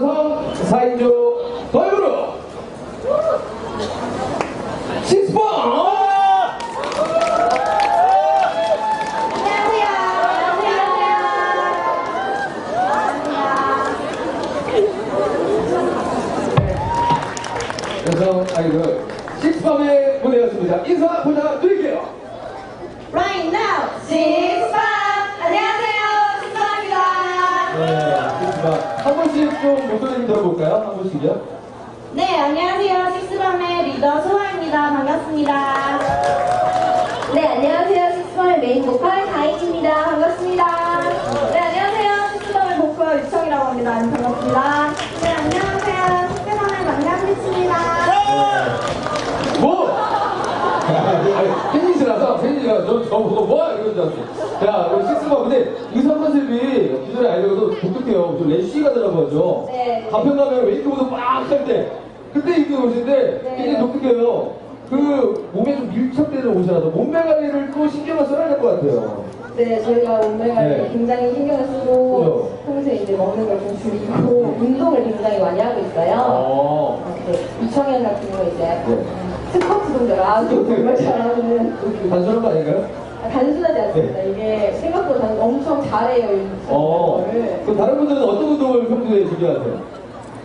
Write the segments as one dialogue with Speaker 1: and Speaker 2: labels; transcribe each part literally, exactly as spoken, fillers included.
Speaker 1: 여성 사 인조 걸그룹 식스번! 여성 아이돌 식스번의 무대였습니다. 인사 부탁드릴게요.
Speaker 2: Right now, 식스번! 안녕하세요, 식스번입니다.
Speaker 1: 네, 식스번. 한 번씩 좀 목소리 좀 들어볼까요? 한 번씩요?
Speaker 2: 네, 안녕하세요. 식스번의 리더 소아입니다. 반갑습니다. 네, 안녕하세요. 식스번의 메인 보컬 다인입니다. 반갑습니다. 네, 안녕하세요. 식스번의 보컬 유청이라고 합니다. 반갑습니다. 네, 안녕하세요. 식스번의 막내한빛입니다.
Speaker 1: 뭐? 팬이시라서 팬이가 저, 저 보고 뭐? 이런 줄 알았어. 자, 우리 식스번. 근데 의상 컨셉이 기존의 아이돌도 독특해요. 좀 래쉬 가더라고요. 저.
Speaker 2: 네.
Speaker 1: 가평 가면 웨이크보드 빡 할 때. 그때 입고 오시는데
Speaker 2: 네.
Speaker 1: 굉장히 독특해요. 그 몸에 좀 밀착되는 옷이라서 몸매 관리를 또 신경을 써야 될 것 같아요.
Speaker 2: 네, 저희가 몸매 관리
Speaker 1: 네.
Speaker 2: 굉장히 신경을 쓰고
Speaker 1: 그래요.
Speaker 2: 평소에 이제 먹는 걸 좀 줄이고 운동을 굉장히 많이 하고 있어요.
Speaker 1: 어.
Speaker 2: 네, 유청현 같은 거 이제
Speaker 1: 네.
Speaker 2: 스쿼트 동작을 아주 정말 잘하는
Speaker 1: 단순한 거 아닌가요?
Speaker 2: 아, 단순하지 않습니다. 이게 생각보다 엄청 잘해요. 이
Speaker 1: 어.
Speaker 2: 거를.
Speaker 1: 그럼 다른 분들은 어떤 운동을 평소에 즐겨하세요?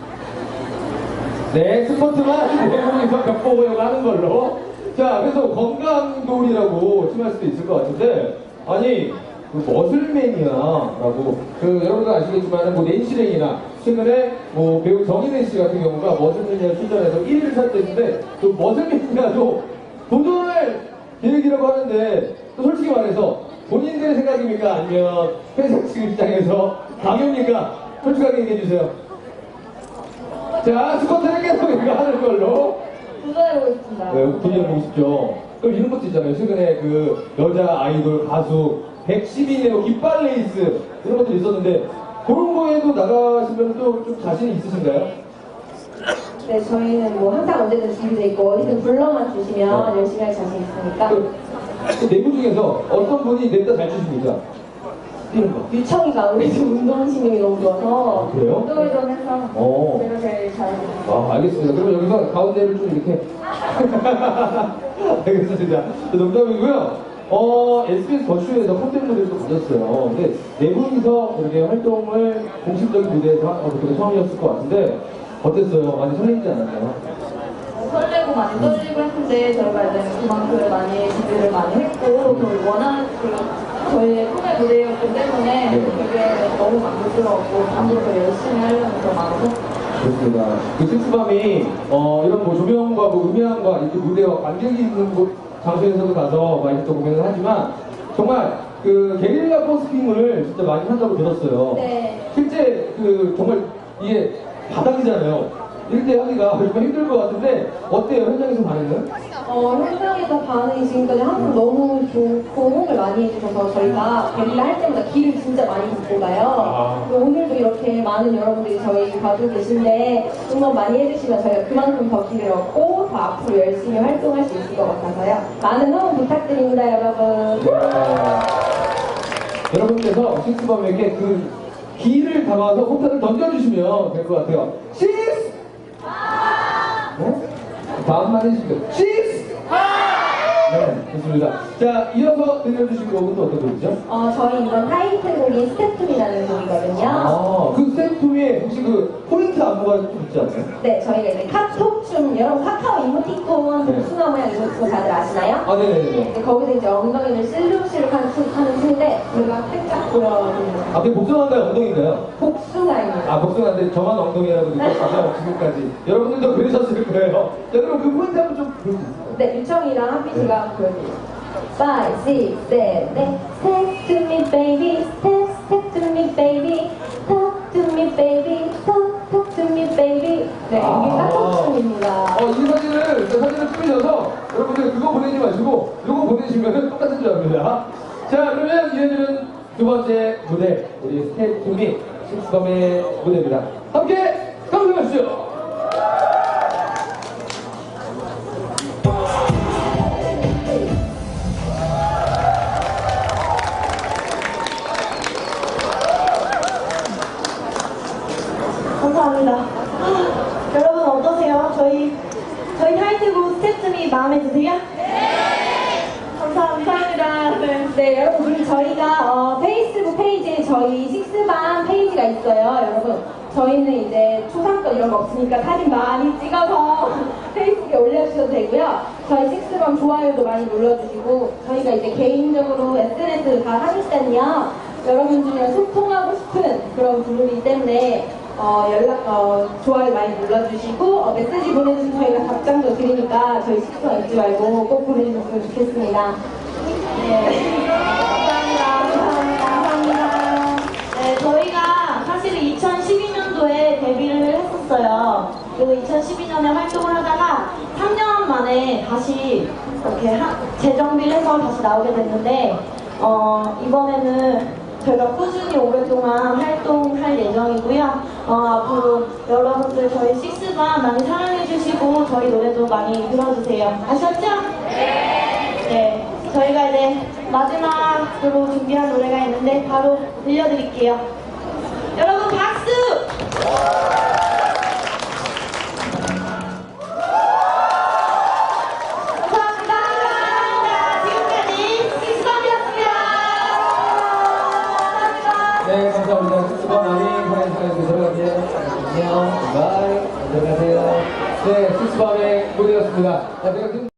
Speaker 1: 네, 스쿼트만 대부분에서 벽보고용 하는 걸로. 자, 그래서 건강돌이라고 칭할 수도 있을 것 같은데, 아니, 그 머슬맨이야라고, 그 여러분들 아시겠지만, 뭐 낸시랭이나 최근에 뭐 배우 정인혜 씨 같은 경우가 머슬매니아 출전해서 일 위를 탔는데, 또 머슬매니아도 도전할 계획이라고 하는데, 또 솔직히 말해서 본인들의 생각입니까? 아니면 회사 측 입장에서 강요입니까? 솔직하게 얘기해 주세요. 자, 스쿼트는 계속 이거 하는 걸로.
Speaker 2: 도전해보고 싶습니다.
Speaker 1: 네, 도전해보고 싶죠. 그럼 이런 것도 있잖아요. 최근에 그 여자 아이돌 가수 백십이 네오 깃발 레이스 이런 것도 있었는데 그런 거에도 나가시면 또 좀 자신이 있으신가요?
Speaker 2: 네, 저희는 뭐 항상 언제든 준비되어 있고 어디든 불러만 주시면
Speaker 1: 네.
Speaker 2: 열심히 할 자신 있으니까.
Speaker 1: 그, 그 내부 중에서 어떤 분이 냅다 잘 추십니까? 뛰는 거.
Speaker 2: 유청이가 아무래도 운동신경이 너무 좋아서
Speaker 1: 아, 그래요?
Speaker 2: 운동을 좀 해서
Speaker 1: 어.
Speaker 2: 제가 제일 잘하고 있어요.
Speaker 1: 아, 알겠습니다. 그러면 여기서 가운데를 좀 이렇게. 알겠습니다. 농담이고요. 어, 에스비에스 더쇼에서 콘텐츠 무대를 또 가졌어요. 근데 네 분이서 이렇게 활동을 공식적인 무대에서 한 것도 처음이었을 것 같은데, 어땠어요? 많이 설레지 않았나요?
Speaker 2: 설레고 많이 떨리고 했는데 저희가 이제 그만큼 많이 준비를 많이 했고 또 원하는 그 저희의 꿈의 무대였기 때문에
Speaker 1: 네.
Speaker 2: 되게 너무 만족스러웠고 앞으로 더 열심히 하려는 더 마음으로.
Speaker 1: 그렇습니다. 그 식스밤이 어, 이런 뭐 조명과 뭐 음향과 이렇게 무대와 관객이 있는 곳 장소에서도 가서 많이 또 공연을 하지만 정말 그 게릴라 버스킹을 진짜 많이 한다고 들었어요.
Speaker 2: 네.
Speaker 1: 실제 그 정말 이게 바닥이잖아요. 이럴 때 하기가 정말 힘들 것 같은데 어때요? 현장에서 반응은?
Speaker 2: 어, 현장에서 반응이 지금까지 항상 너무 좋고 호응을 많이 해주셔서 저희가 게릴라 할 때마다 길을 진짜 많이 걷고 가요.
Speaker 1: 아.
Speaker 2: 그리고 오늘도 이렇게 많은 여러분들이 저희 봐주고 계신데 응원 많이 해주시면 저희가 그만큼 더 길을 얻고 더 앞으로 열심히 활동할 수 있을 것 같아서요. 많은 응원 부탁드립니다, 여러분.
Speaker 1: 여러분께서 식스밤에게 그 기를 담아서 포탄을 던져주시면 될 것 같아요. 식스! 네? 다음만 해주시고요. 식스! 네, 좋습니다. 자, 이어서 들려주신 곡은 또 어떤 곡이죠?
Speaker 2: 어, 저희 이번 타이틀곡이 스태프이라는 곡이거든요.
Speaker 1: 아, 그 스태프에 혹시 그 포인트 안무가 좀 있지 않나요?
Speaker 2: 네, 저희가 이제 카톡춤, 여러분 카카오 이모티콘
Speaker 1: 네.
Speaker 2: 복숭아 모양 이모티콘 다들 아시나요?
Speaker 1: 아, 네네네.
Speaker 2: 네, 거기서 이제 엉덩이를 실룩실룩 하는, 춤- 하는 춤인데 우리가 살짝 보여드리는
Speaker 1: 아, 그게 복숭아인가요? 엉덩이인가요?
Speaker 2: 복숭아입니다.
Speaker 1: 아, 복숭아인데 저만 엉덩이라고 느꼈어요, 지금까지. 여러분들도 그러셨을 거예요. 자, 그럼 그 포인트 한번 좀 볼 수 있을까요?
Speaker 2: 네, 유청이랑 한빛이가 보여드릴게요. five, six, seven, step to me baby, step, step to me baby, talk to me baby, talk, talk to me baby. 네, 이게 카톡춤입니다.
Speaker 1: 어, 이 사진을, 그 사진을 뿌리셔서 여러분들 그거 보내지 마시고 이거 보내시면 똑같은 줄 압니다. 자, 그러면 이어지는 두 번째 무대, 우리 스텝 투미 식스밤의 무대입니다. 함께 감상하시죠.
Speaker 3: 감사합니다. 여러분 어떠세요? 저희 저희 타이틀곡 스텝2미 마음에 드세요? 네. 감사합니다. 네.
Speaker 2: 네, 여러분, 그리고 저희가 어, 페이스북 페이지에 저희 식스밤 페이지가 있어요. 여러분, 저희는 이제 초상권 이런 거 없으니까 사진 많이 찍어서 페이스북에 올려주셔도 되고요. 저희 식스밤 좋아요도 많이 눌러주시고, 저희가 이제 개인적으로 에스엔에스를 다 하니까요. 여러분들이랑 소통하고 싶은 그런 그룹이기 때문에 어, 연락, 어, 좋아요 많이 눌러주시고, 어, 메시지 보내주시면 저희가 답장도 드리니까 저희 식스밤 잊지 말고 꼭 보내주셨으면 좋겠습니다.
Speaker 3: 네. 감사합니다. 감사합니다. 감사합니다. 네, 저희가 사실은 이천십이 년도에 데뷔를 했었어요. 그리고 이천십이 년에 활동을 하다가 삼 년 만에 다시 이렇게 하, 재정비를 해서 다시 나오게 됐는데, 어, 이번에는 저희가 꾸준히 오랫동안 활동할 예정이고요. 어, 앞으로 여러분들 저희 식스밤 많이 사랑해주시고 저희 노래도 많이 들어주세요. 아셨죠? 네. 네. 저희가 이제 마지막으로 준비한 노래가 있는데 바로 들려드릴게요. 여러분 박수! 감사합니다. 지금까지 식스밤이었습니다. 감사합니다.
Speaker 1: 네, 감사합니다. 식스밤 많이 사랑해주셔서 들어갈게요. 안녕, 바이, 안녕하세요. 네, 식스밤의 무대였습니다. 자, 제가 지금